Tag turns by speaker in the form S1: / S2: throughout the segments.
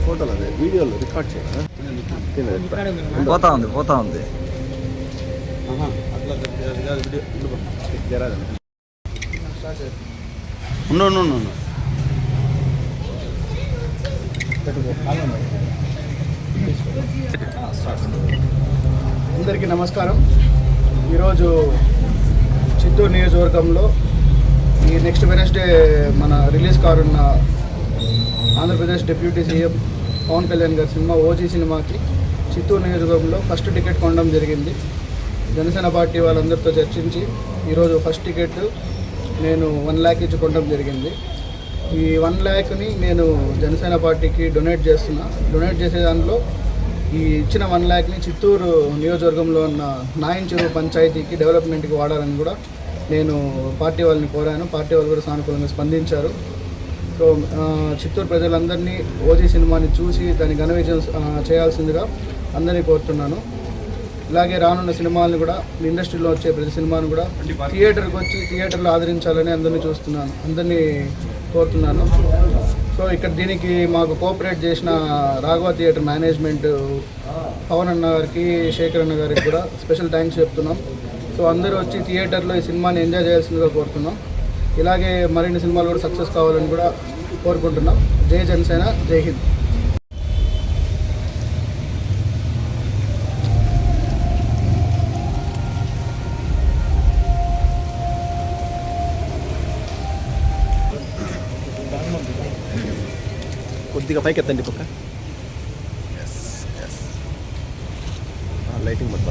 S1: ఫోటోలు అదే వీడియోలో రికార్డ్ చేయాలి.
S2: పోతా ఉంది
S3: అందరికీ నమస్కారం. ఈరోజు చిత్తూరు నియోజకవర్గంలో ఈ నెక్స్ట్ వెనస్డే మన రిలీజ్ కానున్న ఆంధ్రప్రదేశ్ డిప్యూటీ సీఎం పవన్ కళ్యాణ్ గారి సినిమా ఓజీ సినిమాకి చిత్తూరు నియోజకవర్గంలో ఫస్ట్ టికెట్ కొనడం జరిగింది. జనసేన పార్టీ వాళ్ళందరితో చర్చించి ఈరోజు ఫస్ట్ టికెట్ నేను 1 lakh ఇచ్చి కొనడం జరిగింది. ఈ 1 lakh నేను జనసేన పార్టీకి డొనేట్ చేసే దాంట్లో ఈ ఇచ్చిన 1 lakh చిత్తూరు నియోజకవర్గంలో ఉన్న నాయంచెరువు పంచాయతీకి డెవలప్మెంట్కి వాడాలని కూడా నేను పార్టీ వాళ్ళని కోరాను. పార్టీ వాళ్ళు కూడా సానుకూలంగా స్పందించారు. సో చిత్తూరు ప్రజలందరినీ ఓజీ సినిమాని చూసి దాన్ని ఘన విజయం చేయాల్సిందిగా అందరినీ కోరుతున్నాను. ఇలాగే రానున్న సినిమాలను కూడా ఇండస్ట్రీలో వచ్చే ప్రతి సినిమాను కూడా థియేటర్కి వచ్చి థియేటర్లో ఆదరించాలని అందరినీ కోరుతున్నాను. సో ఇక్కడ దీనికి మాకు కోఆపరేట్ చేసిన రాఘవ థియేటర్ మేనేజ్మెంట్ పవన్ అన్న గారికి, శేఖర్ అన్న గారికి కూడా స్పెషల్ థ్యాంక్స్ చెప్తున్నాం. సో అందరూ వచ్చి థియేటర్లో ఈ సినిమాని ఎంజాయ్ చేయాల్సిందిగా కోరుతున్నాం. ఇలాగే మరిన్ని సినిమాలు కూడా సక్సెస్ కావాలని కూడా కోరుకుంటున్నాం. జై జనసేన, జై హింద్.
S1: కొద్దిగా పైకి ఎత్తండి పక్క. లైటింగ్ మొత్తం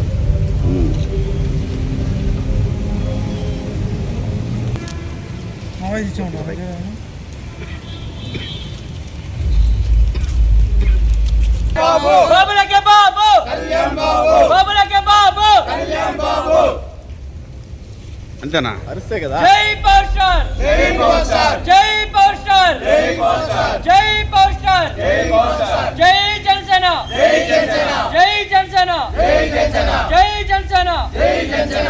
S4: అంతేనా?
S1: అరిస్తే కదా.
S5: జై పవర్ స్టార్, జై పవర్ స్టార్, జై పవర్ స్టార్, జై పవర్ స్టార్, జై పవర్ స్టార్, జై పవర్ స్టార్, జై జనసేన, జై జనసేన, జై జనసేన, జై జనసేన, జై జనసేన, జై జనసేన.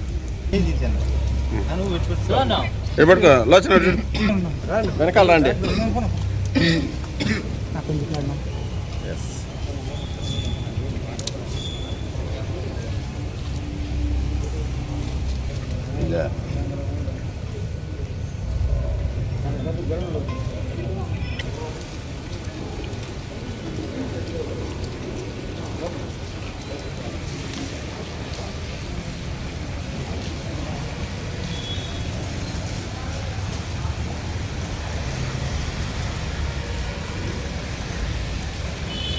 S4: పట్టుకో లోచన
S1: వెనకాల రండి.
S4: Yeah.